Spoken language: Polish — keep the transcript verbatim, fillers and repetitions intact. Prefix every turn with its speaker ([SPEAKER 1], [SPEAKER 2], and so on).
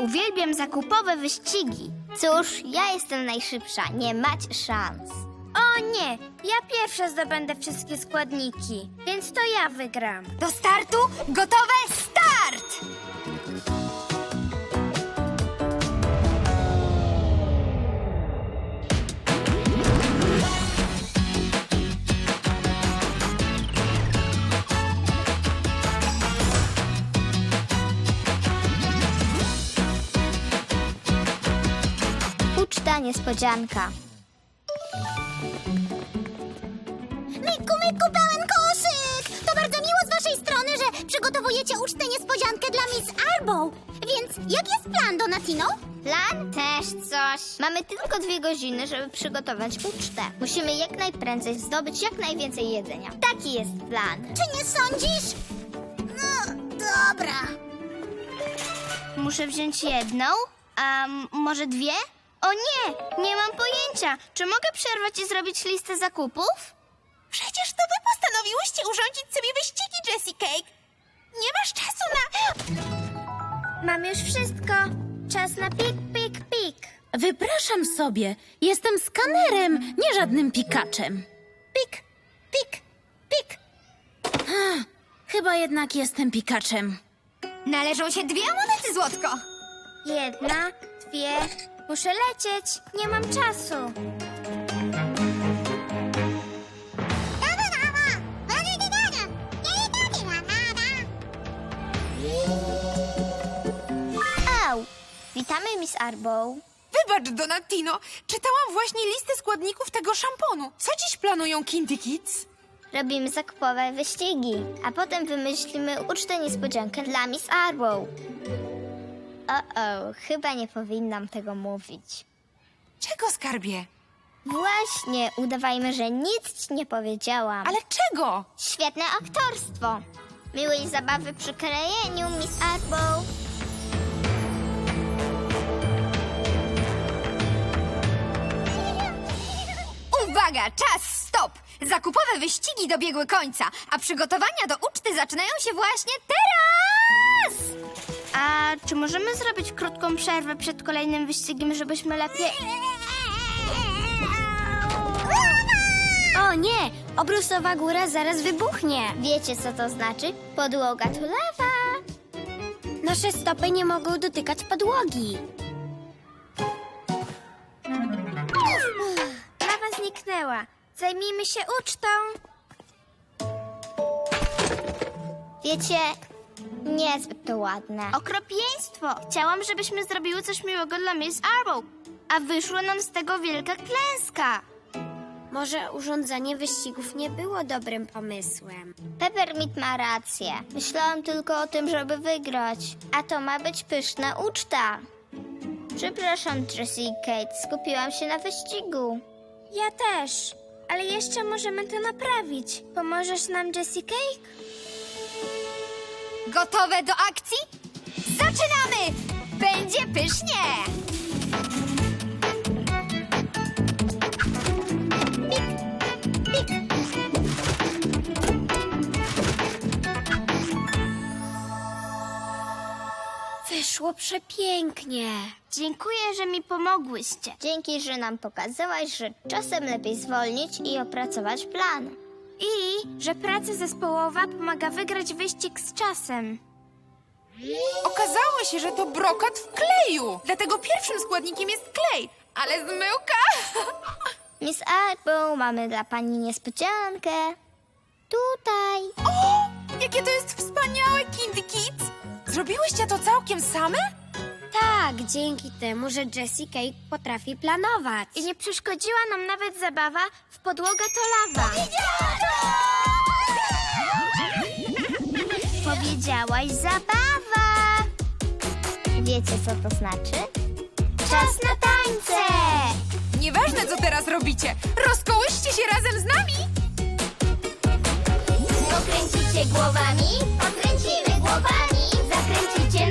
[SPEAKER 1] Uwielbiam zakupowe wyścigi.
[SPEAKER 2] Cóż, ja jestem najszybsza, nie macie szans.
[SPEAKER 1] O nie, ja pierwsza zdobędę wszystkie składniki, więc to ja wygram.
[SPEAKER 3] Do startu, gotowe, start!
[SPEAKER 2] Uczta niespodzianka.
[SPEAKER 3] Myku, myku, pełen koszyk! To bardzo miło z waszej strony, że przygotowujecie ucztę niespodziankę dla Miss Arbow. Więc jaki jest plan, Donatino?
[SPEAKER 2] Plan? Też coś. Mamy tylko dwie godziny, żeby przygotować ucztę. Musimy jak najprędzej zdobyć jak najwięcej jedzenia. Taki jest plan.
[SPEAKER 3] Czy nie sądzisz? No, dobra.
[SPEAKER 1] Muszę wziąć jedną, a m- może dwie? O nie, nie mam pojęcia. Czy mogę przerwać i zrobić listę zakupów?
[SPEAKER 3] Przecież to wy postanowiłyście urządzić sobie wyścigi, Jessie Cake. Nie masz czasu na...
[SPEAKER 1] Mam już wszystko. Czas na pik, pik, pik.
[SPEAKER 4] Wypraszam sobie, jestem skanerem, nie żadnym pikaczem.
[SPEAKER 3] Pik, pik, pik.
[SPEAKER 4] Chyba jednak jestem pikaczem.
[SPEAKER 3] Należą się dwie monety, Złotko.
[SPEAKER 1] Jedna, dwie. Muszę lecieć. Nie mam czasu.
[SPEAKER 2] Au! Witamy, Miss Arbow.
[SPEAKER 5] Wybacz, Donatino, czytałam właśnie listę składników tego szamponu. Co dziś planują Kinty Kids?
[SPEAKER 2] Robimy zakupowe wyścigi, a potem wymyślimy ucztę niespodziankę dla Miss Arbow. O-o, chyba nie powinnam tego mówić.
[SPEAKER 5] Czego, skarbie?
[SPEAKER 2] Właśnie, udawajmy, że nic ci nie powiedziałam.
[SPEAKER 5] Ale czego?
[SPEAKER 2] Świetne aktorstwo. Miłej zabawy przy krojeniu, Miss Arbow.
[SPEAKER 3] Uwaga, czas, stop! Zakupowe wyścigi dobiegły końca, a przygotowania do uczty zaczynają się właśnie teraz!
[SPEAKER 1] A czy możemy zrobić krótką przerwę przed kolejnym wyścigiem, żebyśmy lepiej... O nie! Obrusowa góra zaraz wybuchnie.
[SPEAKER 2] Wiecie, co to znaczy? Podłoga to lawa.
[SPEAKER 1] Nasze stopy nie mogą dotykać podłogi. Lawa zniknęła. Zajmijmy się ucztą.
[SPEAKER 2] Wiecie, niezbyt to ładne.
[SPEAKER 1] Okropieństwo! Chciałam, żebyśmy zrobiły coś miłego dla Miss Arbow, a wyszła nam z tego wielka klęska. Może urządzanie wyścigów nie było dobrym pomysłem.
[SPEAKER 2] Peppermint ma rację. Myślałam tylko o tym, żeby wygrać. A to ma być pyszna uczta. Przepraszam, Jessie i Kate, skupiłam się na wyścigu.
[SPEAKER 1] Ja też, ale jeszcze możemy to naprawić. Pomożesz nam, Jessie Cake?
[SPEAKER 3] Gotowe do akcji? Zaczynamy! Będzie pysznie!
[SPEAKER 1] Wyszło przepięknie. Dziękuję, że mi pomogłyście.
[SPEAKER 2] Dzięki, że nam pokazałaś, że czasem lepiej zwolnić i opracować plan.
[SPEAKER 1] I że praca zespołowa pomaga wygrać wyścig z czasem.
[SPEAKER 5] Okazało się, że to brokat w kleju. Dlatego pierwszym składnikiem jest klej. Ale zmyłka!
[SPEAKER 2] Miss Arbow, mamy dla pani niespodziankę. Tutaj.
[SPEAKER 5] O! Jakie to jest wspaniałe, Kinty Kids! Zrobiłyście to całkiem same?
[SPEAKER 1] Tak, dzięki temu, że Jessie Cake potrafi planować. I nie przeszkodziła nam nawet zabawa w podłoga to lawa. Powiedziałaś zabawa.
[SPEAKER 2] Wiecie, co to znaczy?
[SPEAKER 1] Czas na tańce!
[SPEAKER 5] Nieważne, co teraz robicie. Rozkołyszcie się razem z nami!
[SPEAKER 2] Pokręcicie głowami, pokręcimy głowami, zakręcicie